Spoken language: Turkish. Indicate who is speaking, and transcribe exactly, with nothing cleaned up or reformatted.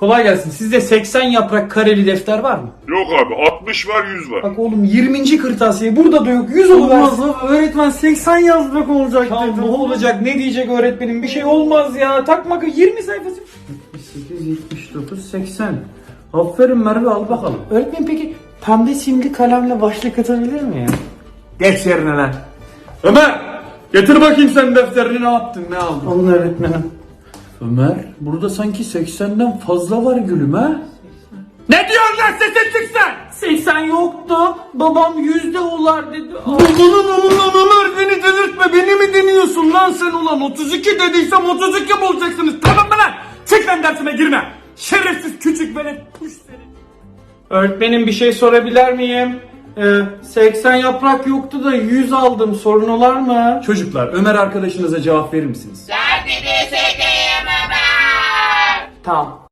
Speaker 1: Kolay gelsin. Sizde seksen yaprak kareli defter var mı?
Speaker 2: Yok abi, altmış var, yüz var.
Speaker 1: Bak oğlum yirminci kırtasiye burada da yok. yüz oluversin.
Speaker 3: Olmaz abi, öğretmen seksen yazmak olacak
Speaker 1: Ya
Speaker 3: dedi.
Speaker 1: ne olacak, ne diyecek öğretmenim? Bir şey olmaz ya. Takma, yirmi sayfası.
Speaker 3: yetmiş sekiz, yetmiş dokuz, seksen. Aferin Merve, al bakalım.
Speaker 1: Öğretmenim peki pembe simli kalemle başlık atabilir mi ya?
Speaker 3: Geç yerine lan.
Speaker 1: Ömer! Getir bakayım sen defterini, ne yaptın, ne aldın?
Speaker 3: Alın öğretmenim.
Speaker 1: Ömer, burada sanki seksenden fazla var gülüm ha? Ne diyorsun lan, sesin çıksın? seksen yoktu. Babam yüzde olar dedi.
Speaker 3: Ulan ulan Ömer, beni delirtme, beni mi deniyorsun lan sen ulan? otuz iki dediysem otuz iki bulacaksınız, tamam mı lan?
Speaker 1: Çık lan, dersime girme. Şerefsiz küçük velet, puş seni. Öğretmenim bir şey sorabilir miyim? Ee, seksen yaprak yoktu da yüz aldım. Sorun olar mı? Çocuklar, Ömer arkadaşınıza cevap verir misiniz?
Speaker 4: Derdini çekeyim Ömer.
Speaker 1: Tamam.